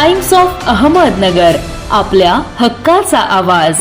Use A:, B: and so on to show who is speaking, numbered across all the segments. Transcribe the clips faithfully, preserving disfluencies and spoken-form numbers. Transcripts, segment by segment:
A: Times of Ahmednagar, आपल्या हक्काचा आवाज।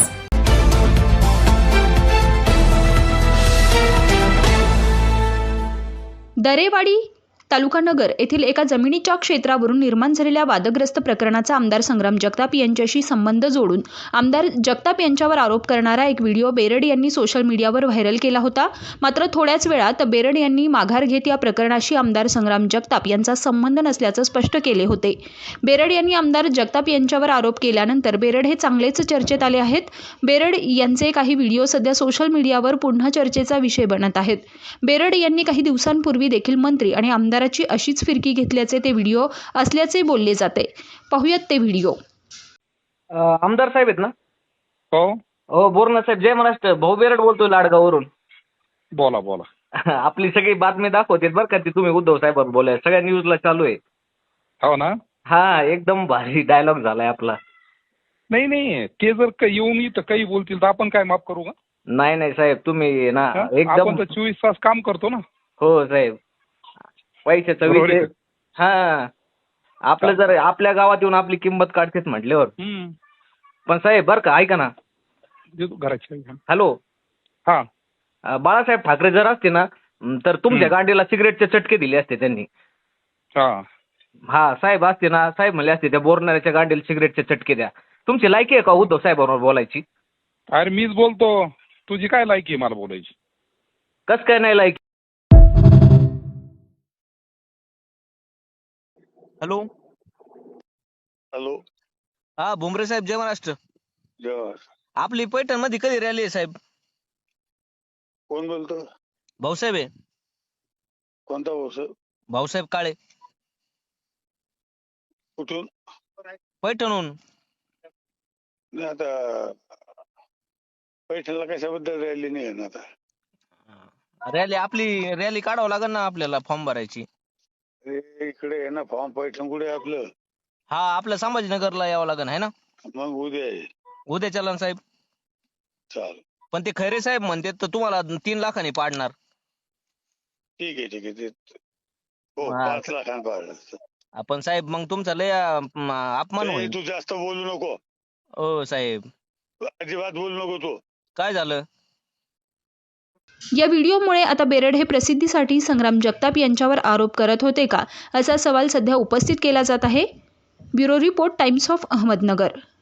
B: दरेवाडी तालुका नगर येथील एका जमिनीच्या क्षेत्रावरून निर्माण झालेल्या वादग्रस्त प्रकरणाचा आमदार संग्राम जगताप यांच्याशी संबंध जोडून आमदार जगताप यांच्यावर आरोप करणारा एक व्हिडिओ बेरड यांनी सोशल मीडियावर व्हायरल केला होता। मात्र थोड्याच वेळात बेरड यांनी माघार घेत या प्रकरणाशी आमदार संग्राम जगताप यांचा संबंध नसल्याचं स्पष्ट केले होते। बेरड यांनी आमदार जगताप यांच्यावर आरोप केल्यानंतर बेरड हे चांगलेच चर्चेत आले आहेत। बेरड यांचे काही व्हिडिओ सध्या सोशल मीडियावर पुन्हा चर्चेचा विषय बनत आहेत। बेरड यांनी काही दिवसांपूर्वी देखील मंत्री आणि आमदार ची अशीच फिरकी घेतल्याचे ते व्हिडिओ असल्याचे बोलले जाते। पाहूयात ते व्हिडिओ।
C: आमदार साहेब आहेत ना?
D: हो
C: हो बोरना साहेब, जय महाराष्ट्र। भाऊ बेरड बोलतोय लाडगाववरून।
D: बोला बोला।
C: आपली सगळी बातमी दाखवते बरं का, ती तुम्ही उद्धव साहेबांवर बोलाय सगळ्या न्यूजला चालू आहे।
D: हो ना?
C: हा, एकदम भारी डायलॉग झालाय आपला।
D: नाही नाही, ते जर का येऊन इथं काही बोलतील तर आपण काय माफ करू का?
C: नाही नाही साहेब, तुम्ही ना
D: हा?
C: एकदम
D: आपण तर चोवीस तास काम करतो ना।
C: हो साहेब, पैशाचा
D: बरोबर आहे
C: विषय। हा, आपलं जर आपल्या गावात येऊन आपली किंमत काढतेच म्हटल्यावर।
D: हम्म.
C: पण साहेब बरं का, ऐका ना।
D: देतो घराची।
C: हॅलो,
D: हा
C: अं, बाळासाहेब ठाकरे जर असते ना तर तुमच्या गांडीला सिगरेटचे चटके दिले असते त्यांनी।
D: हा
C: हा साहेब असते ना, साहेब म्हणले असते त्या बोरणाऱ्याच्या गांडीला सिगरेटचे चटके द्या। तुमची लायकी आहे का उद्धव साहेबांवर बोलायची?
D: अरे मीच बोलतो, तुझी काय लायकी आहे मला बोलायची?
C: कस काय नाही लायकी?
E: हॅलो
F: हॅलो,
E: हा भुमरे साहेब, जय महाराष्ट्र।
F: जय.
E: आपली पैठण मध्ये कधी रॅली आहे साहेब?
F: कोण बोलतो?
E: भाऊसाहेब आहे।
F: कोणता बोस?
E: भाऊसाहेब काळे,
F: कुठून?
E: पैठणहून।
F: नाही आता पैठणला कशाबद्दल रॅली नाही आहे ना आता?
E: रॅली आपली रॅली काढावं लागेल ना आपल्याला, फॉर्म भरायची।
F: अरे इकडे आहे ना फॉर्म, पैठण कुठे आहे आपलं?
E: हा, आपल्या संभाजीनगरला यावं लागेल है ना?
F: मग उद्या आहे।
E: उद्या चला ना साहेब।
F: चाल,
E: पण ते खैरे साहेब म्हणते तर तुम्हाला तीन लाखांनी पाडणार।
F: ठीक आहे ठीक आहे ते हो,
E: हा.
F: पाच लाखांना पाहिजे।
E: आपण साहेब मग तुमचा लय अं, अपमान
F: ए,
E: होईल।
F: तू जास्त बोलू नको,
E: ओ साहेब,
F: अजिबात बोलू नको तू।
E: काय झालं?
B: या व्हिडिओमुळे आता बेरड हे प्रसिद्धीसाठी संग्राम जगताप यांच्यावर आरोप करत होते का, असा सवाल सध्या उपस्थित केला जात आहे। Bureau report, Times of Ahmednagar.